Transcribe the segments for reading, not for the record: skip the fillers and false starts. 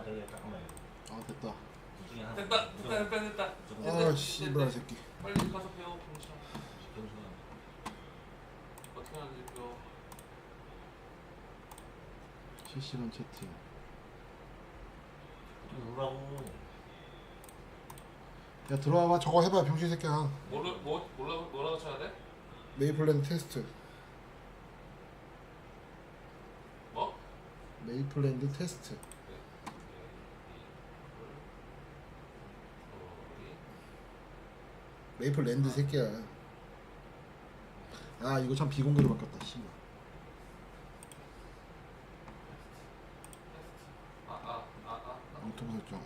되게 잠깐만. 아 됐다. 둘 중에 하나. 됐다. 아 씨발 새끼. 빨리 가서 배워. 병신아. 어떻게 하는지 배워. 실시간 채팅. 좀 놀라고. 야 들어와봐. 저거 해봐 병신 새끼야. 뭐라고 쳐야 돼? 메이플랜드 테스트. 뭐? 메이플랜드 테스트. 메이플랜드 새끼야. 아 이거 참 비공개로 바꿨다. 씨발. 엉뚱 설정.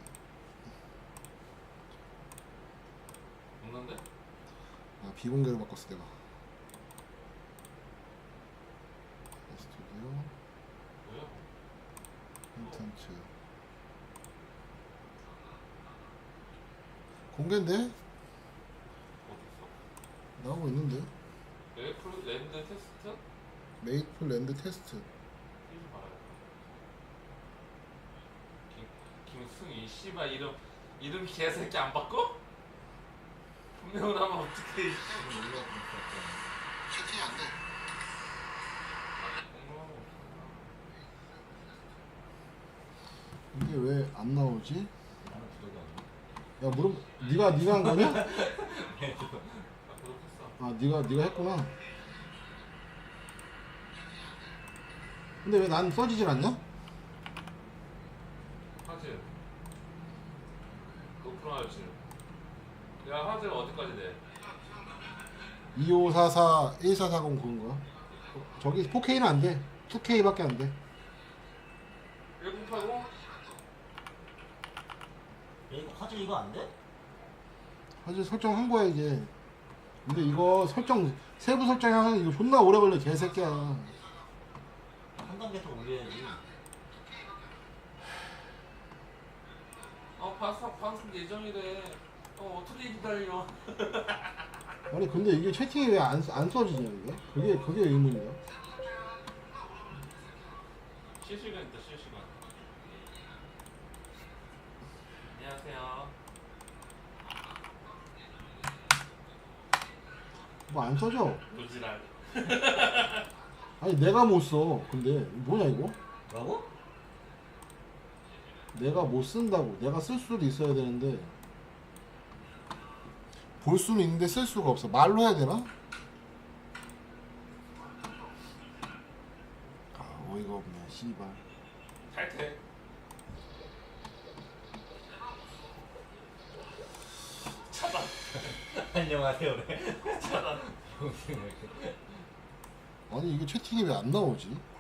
없는데? 아 비공개로 바꿨어 내가. 스튜디오 뭐야? 콘텐츠 공개인데? 어딨어? 나오고 있는데? 메이플랜드 테스트? 메이플랜드 테스트. 이름 말아야겠다. 김승희 씨발 이름 개새끼 안 바꿔? 분명을 하면 어떡해. 채팅이 안 돼. 이게 왜 안 나오지? 나는 구독이 안 돼. 야 물음 네가 한 거냐? 나 구독했어. 아 네가 했구나. 근데 왜 난 써지질 않냐? 화질 높은 화질. 야 화질 어디까지 돼? 2544 1440 그건가? 저기 4K는 안 돼. 2K밖에 안 돼. 1080? 이거 화질 이거 안 돼? 사실 설정한 거야 이게. 근데 이거 세부 설정하면 이거 존나 오래 걸려 개새끼야. 한 단계 더 올려야지. 방송 예정이래. 어떻게 기다려? 아니 근데 이게 채팅이 왜 안 써지냐 이게? 그게 의문이야. 실시간 있다 실시간. 안녕하세요. 뭐 안 써져. 노지랄. 아니 내가 못 써. 근데 뭐냐 이거? 뭐라고? 내가 못 쓴다고. 내가 쓸 수도 있어야 되는데 볼 수는 있는데 쓸 수가 없어. 말로 해야 되나? 아 어이가 없네 씨발. 탈퇴. 차단. 안녕하세요 그래. 차단. 병신 왜 이렇게. 아니 이게 채팅이 왜 안 나오지?